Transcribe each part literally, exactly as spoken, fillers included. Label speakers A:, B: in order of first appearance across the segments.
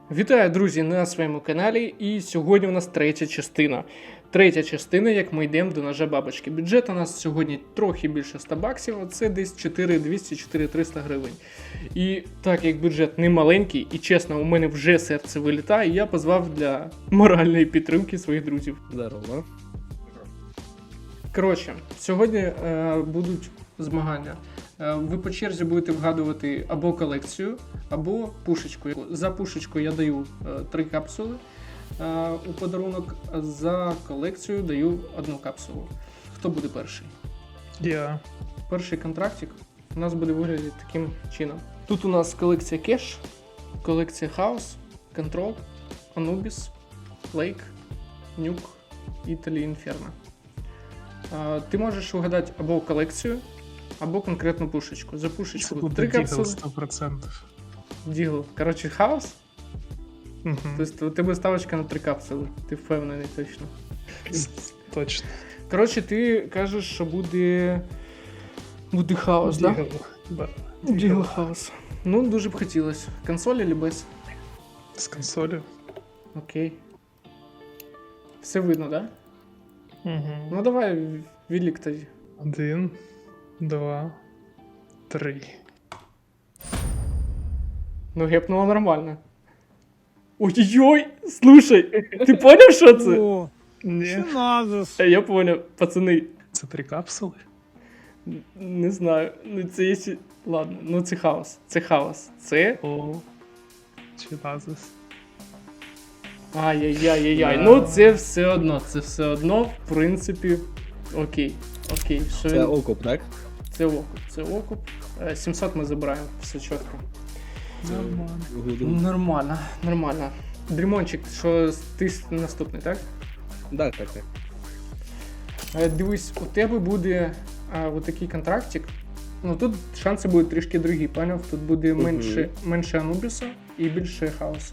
A: Вітаю, друзі, на своєму каналі, і сьогодні у нас третя частина. Третя частина, як ми йдемо до ножа бабочки. Бюджет у нас сьогодні трохи більше ста баксів, а це десь чотири двісті - чотири триста гривень. І так як бюджет не маленький, і чесно, у мене вже серце вилітає, я позвав для моральної підтримки своїх друзів.
B: Здорово.
A: Коротше, сьогодні е, будуть змагання. Е, ви по черзі будете вгадувати або колекцію, або пушечку. За пушечку я даю е, три капсули е, у подарунок, а за колекцію даю одну капсулу. Хто буде перший?
C: Я.
A: Перший контрактик у нас буде виглядати таким чином. Тут у нас колекція Кеш, колекція Хаус, Control, Anubis, Lake, Nuke, Italy, Inferno. А, ти можеш вгадати або колекцію, або конкретну пушечку. За
C: Це
A: пушечку
C: буде
A: три
C: Дігл
A: капсули.
C: сто відсотків.
A: Дігл. Коротше, Хаус.
C: Угу.
A: Тобто у тебе ставочка на три капсули. Ти впевнений точно.
C: Точно.
A: Коротше, ти кажеш, що буде. Буде Хаус, так?
C: Дігл. Да?
A: Дігл Хаус. Ну, дуже б хотілося. Консоль або без?
C: З консолі.
A: Окей. Все видно, так? Да?
C: Угу.
A: Ну давай відлік тоді.
C: Один, два, три.
A: Ну, гепнуло нормально. Ой-ой-ой! Слушай, ти поняв, що це?
D: О,
C: Ні.
D: що надо?
A: Е, Я поняв, пацани.
C: Це три капсули?
A: Не знаю. Ну це є. Ладно, ну це хаос. Це хаос. Це.
C: О. Чи назис?
A: Ай-яй-яй-яй-яй.
C: Да.
A: Ну це все одно. Це все одно, в принципі. Окей. Окей. Що
B: Це
A: він-
B: окуп, так?
A: Це окуп. Це окуп. Е, сімсот ми забираємо. Все чітко.
C: Нормально.
B: Гуду.
A: Нормально, нормально. Дрімончик, що ти наступний, так?
B: Так, так, так.
A: Е, Дивись, у тебе буде а, отакий контрактик. Ну тут шанси будуть трішки другі, поняв? Тут буде
B: Мгм.
A: менше, менше Анубіса і більше хаоса.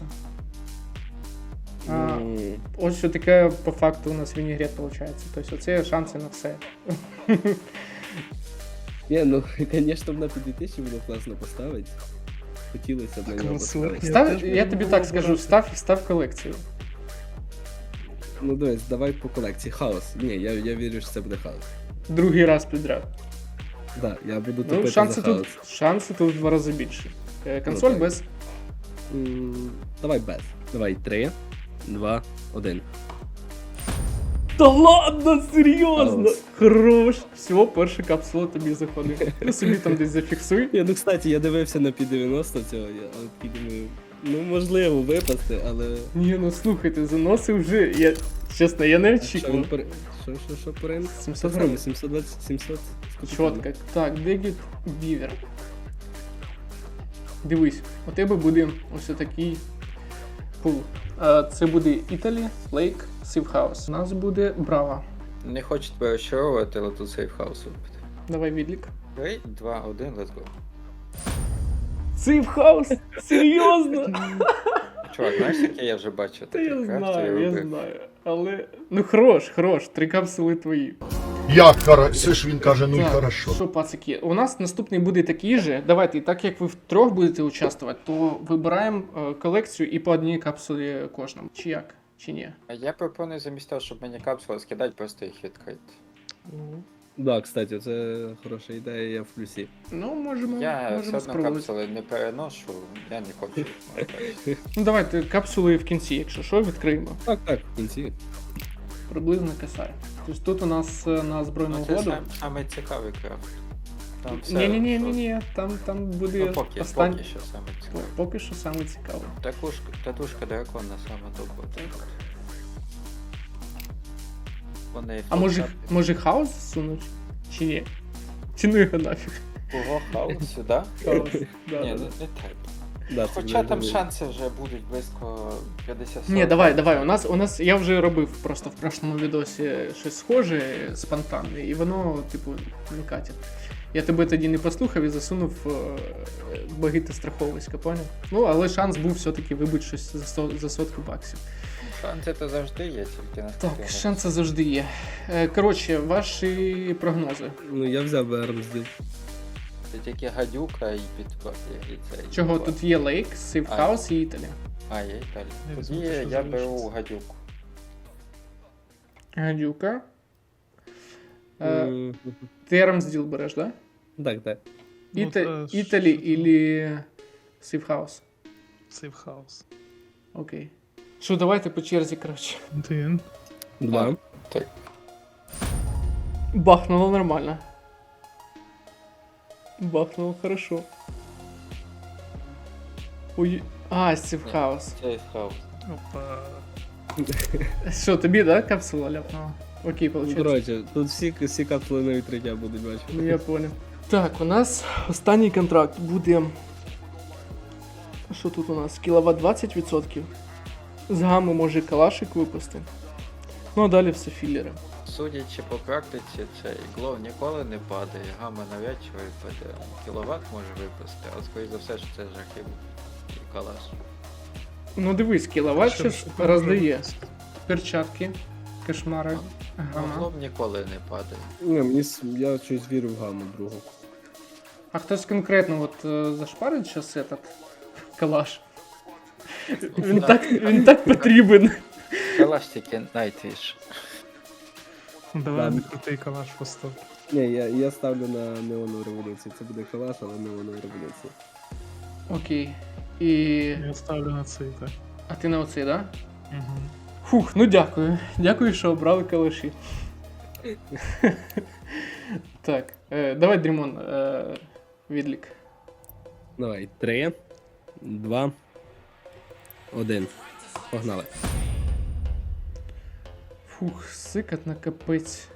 A: А,
B: Ну,
A: ось що таке по факту у нас вінігрет виходить. Тобто оце шанси на все.
B: Ні, ну, звісно, на п'ять тисяч було класно поставити. Хотілося б на нього
C: ну,
B: поставити.
C: Я
A: Став,
C: теж
A: я,
C: буду
A: тобі так скажу,
C: обирати.
A: став, став колекцію.
B: Ну, дивись, давай по колекції. Хаос. Ні, я, я вірю, що це буде хаос.
A: Другий раз підряд.
B: Так, я буду
A: Ну,
B: топити
A: шанси,
B: за хаос.
A: тут, шанси тут в два рази більше. Е, Консоль
B: так.
A: без.
B: М, Давай без. Давай три, два, один.
A: Та ладно, серйозно!
B: Хаос.
A: Хорош! Все, перша капсула тобі заходить. Ти собі там десь зафіксуй.
B: Я, ну, кстати, я дивився на пі дев'яносто цього, я але такий думаю, ну, можливо, випасти, але...
A: Ні, ну слухайте, заноси вже. Я, чесно, я не
B: Що він
A: очікував.
B: по... Що, що, що по ринку?
A: сімсот
B: Так
A: гривень.
B: само, сімсот двадцять, сімсот. з копійками.
A: Чотко. Так, Дегіт Бівер. Дивись, у тебе буде ось такий пул. А, Це буде Italy, Lake, Safe House. У нас буде Браво.
E: Не хочуть тебе розчаровувати, але тут сейфхаус робити.
A: Давай відлік.
E: три, два, один, let's go.
A: Safe House? Серйозно?
E: Чувак, знаєш, яке я вже бачив?
A: Та
E: такі
A: я
E: карти,
A: знаю, я
E: робив.
A: знаю. Але. Ну хорош, хорош, три капсули твої.
F: Як хорошо, це ж він каже, ну й
A: Так,
F: хорошо.
A: Що, пацики, у нас наступний буде такий же. Давайте, так як ви втрьох будете участвувати, то вибираємо е, колекцію і по одній капсулі кожному. Чи як? Чи ні?
E: А я пропоную замість того, щоб мені капсули скидати, просто їх відкрити.
B: Да, кстати, це хороша ідея, я в плюсі.
A: Ну, можемо,
E: Я все
A: можемо
E: одно
A: спробувати.
E: капсули не переношу, я не хочу їх мати.
A: Ну давайте капсули в кінці, якщо що, відкриємо.
B: Так, так, в кінці.
A: Приблизно касає. Тобто тут у нас е, на збройну
E: Ну, це
A: угоду.
E: сам, саме цікавий крафт. Там все,
A: Ні, ні, ні,
E: що-
A: ні, ні. Там, там буде
E: Ну, поки,
A: остань...
E: поки що саме цікаве.
A: Поки що саме цікаве.
E: Татушка, татушка дракона саме топова. Вони
A: А може,
E: фотографії.
A: може хаос засунуть? Чи ні? Чи ну його нафіг?
E: Кого хаос сюди?
A: Хаос. Да,
E: Ні,
A: да,
E: не,
A: да.
E: не треба.
B: Да, це
E: Хоча
B: буде
E: там
B: добре.
E: шанси вже будуть близько п'ятдесят.
A: Ні, давай, давай. У нас, у нас я вже робив просто в прошлому відосі щось схоже, спонтанне, і воно, типу, не катить. Я тебе тоді не послухав і засунув е, багите страховиська, поняв? Ну, але шанс був все-таки вибити щось за, со, за сотку баксів.
E: Шанси то завжди є, тільки на
A: Так, шанси завжди є. Е, Коротше, ваші прогнози.
B: Ну, я взяв би армзділ.
E: Це тільки гадюка і підкоп, і цей.
A: Чого
E: підкоп.
A: тут є Лейк, Сейф
E: А.
A: Хаус і Італія.
E: А, є Італія.
C: Я
E: Тоді
C: візьму те, що
E: я беру
C: залишиться.
E: гадюку.
A: Гадюка. Е,
B: М,
A: ти Армсділ береш, да?
B: Так, так.
C: Ну,
A: Іта...
C: та ж-
A: Італі или Сейфхаус?
C: Сейфхаус.
A: Окей. Що, давайте по черзі, коротше.
C: Один.
B: Два.
A: Бахнуло нормально. Бахнуло хорошо. Ой. А, Сейфхаус.
E: Це хаос.
C: Опа.
A: Що, тобі, да, капсула ляпнула? Окей,
B: Ну,
A: виходить.
B: коротше, тут всі, всі капсули на відкриття будуть
A: Ну,
B: бачити.
A: я понял. Так, у нас останній контракт буде. Що тут у нас? Кіловат двадцять відсотків. З гамми може калашик випусти. Ну а далі все філери.
E: Судячи по практиці, цей глов ніколи не падає, гамма навряд чи випаде. Кіловат може випасти, а скоріше за все, що це жахів і калаш.
A: Ну дивись, кіловат
C: Що-
A: щас
C: що
A: роздає.
C: може
A: Перчатки, кошмари.
E: Ну,
A: Ага.
E: глов ніколи не падає.
B: Ні, мені с- я щось вірю в гаму другу.
A: А хтось конкретно от е, зашпарить зараз этот калаш? Він
E: Да.
A: так, він так потрібен.
E: Калаш тільки Nightwish.
C: Ну, давай
B: Ладно.
C: не крутий калаш постав.
B: Ні, я, я ставлю на неонову революцію. Це буде калаш, але неонову революцію.
A: Окей. І.
C: Я ставлю на цей, так.
A: А ти на оцей, да?
C: Угу.
A: Фух, ну дякую. Дякую, що обрали калаші. Так, е, давай, Дрімон, е, відлік.
B: Давай, три, два, один. Погнали.
A: Фух, сикотно капець.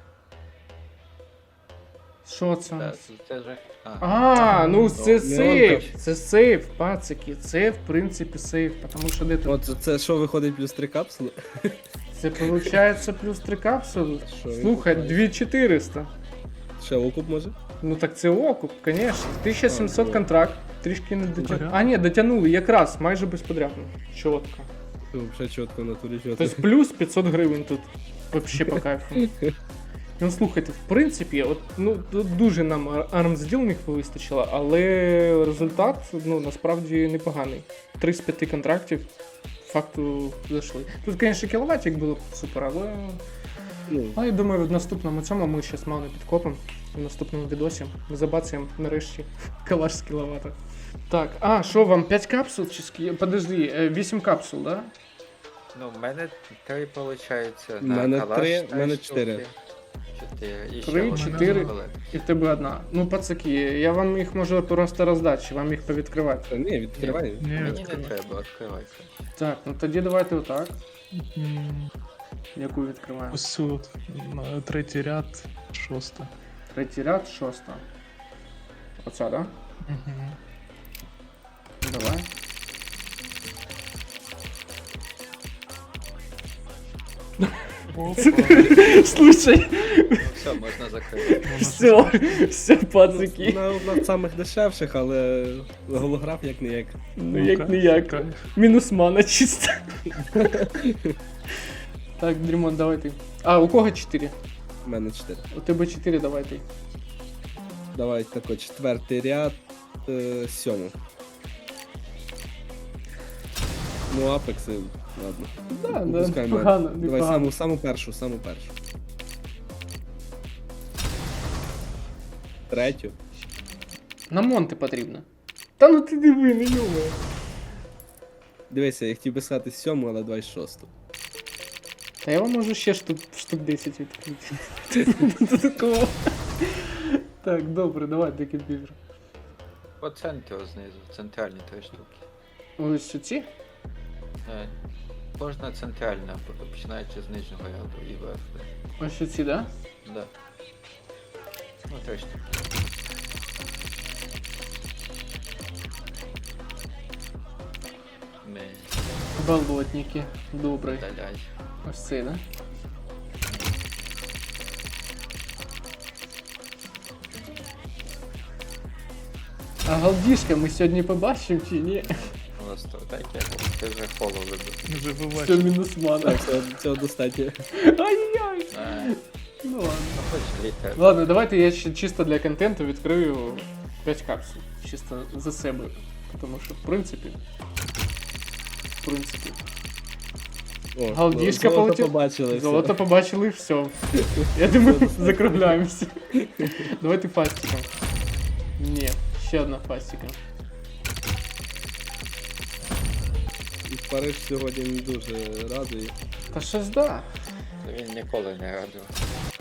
A: Що це у
E: Це,
A: нас?
E: це жах. А,
A: А, ну це
B: Ну,
A: сейф,
B: Леонтов.
A: це сейф, пацики, це в принципі сейф, тому що де тут?
B: От це що виходить плюс три капсули?
A: Це виходить плюс три капсули.
B: Що він
A: Слухай,
B: купає?
A: дві чотириста.
B: Ще окуп може?
A: Ну так це окуп, звісно. тисяча сімсот
B: А,
A: контракт, трішки не дотягнули.
C: Порядок.
A: А, ні, дотягнули, якраз, майже безподрядно. Чітко.
B: Взагалі чітко в натурі чітко.
A: Тобто плюс п'ятсот гривень тут. Вообще по кайфу. Ну слухайте, в принципі, от, ну, тут дуже нам армсділ вистачило, але результат ну, насправді непоганий. Три з п'яти контрактів факту зайшли. Тут, звісно, кіловатик було б супер, але.
B: Ну,
A: Ну, я думаю, в наступному цьому ми зараз мало не підкопимо. В наступному відосі ми забацаємо нарешті калаш з кіловата. Так, а, що вам, п'ять капсул чи скі... Подожди, е, вісім капсул, да?
E: Ну, в мене три, виходить,
B: В
E: на
B: мене
E: калаш
B: три, в
E: три
B: мене
E: штуки.
B: чотири.
E: Чотири. І ще
A: Три,
E: одна
A: чотири.
E: колекція.
A: І в тебе одна. Ну, пацаки, я вам їх можу просто роздати, чи вам їх повідкривати.
B: Та ні, відкривай.
C: Ні,
E: Мені не
C: відкривай.
E: треба, відкривайте.
A: Так, ну тоді давайте отак.
C: М,
A: Яку відкриваємо?
C: Ось тут, на третій ряд, шоста.
A: Третій ряд, шоста. Оця, да?
C: Угу.
A: Давай. Слушай,
E: Ну все, можна закрити.
A: все, все, пацаки.
B: На одна з самих дешевших, але голограф як не як.
A: Ну як не як. Мінус мана чисто. Так, Дрімон, давай ти. А, у кого чотири?
B: У мене чотири.
A: У тебе чотири, давай ти.
B: Давай тако, четвертий ряд, е, сьому. Ну, апекси, ладно.
A: Да, да,
B: Випускаємо.
A: непогано,
B: Давай
A: непогано.
B: саму, саму першу, саму першу. Третю.
A: На Монте потрібно. Та ну ти диви, не йомає.
B: Дивися, я хотів би сказати сьому, але давай шосту.
A: Та я вам можу ще штук, штук десять відкрити. Такого. Так, добре, давай до комп'ютера.
E: По центру знизу, центральні три штуки.
A: Ось ці?
E: Е, Кожна центральна, починаючи з нижнього ряду і вверх.
A: Ось ці, да?
E: Да. Ну, три штуки. Ми
A: Болотники. Добре.
E: видаляй.
A: Ось цей, да? А галдішка ми сьогодні побачимо чи ні?
E: Просто так я ти вже холо вибив.
C: Вже
A: Все
C: побачив.
A: мінус мана.
B: Так, цього, цього достатньо.
A: Ай-яй!
E: Е,
A: Ну ладно.
E: Ну, хоч літер.
A: Ладно, давайте я ще чисто для контенту відкрию п'ять капсул. Чисто за себе. Тому що, в принципі, в принципі.
B: О,
A: Галдішка
B: золото
A: полетів.
B: побачили. все.
A: Золото побачили, все. Я думаю, закругляємося. Давайте фастиком. Ні, ще одна фастика.
B: Париж сьогодні не дуже радує.
A: Та щось да.
E: Він ніколи не радував.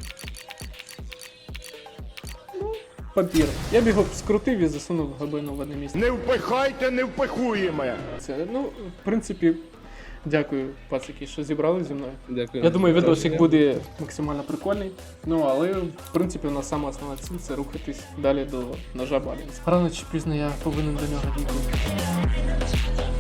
A: Папір. Я б його скрутив і засунув глибину в одне місце.
F: Не впихайте, не впихуємо.
A: Це, ну, в принципі, дякую, пацики, що зібрали зі мною.
B: Дякую.
A: Я думаю, відосик буде максимально прикольний. Ну, але, в принципі, у нас сама основна ціль це рухатись далі до ножа Балінс. Рано чи пізно я повинен до нього дійти.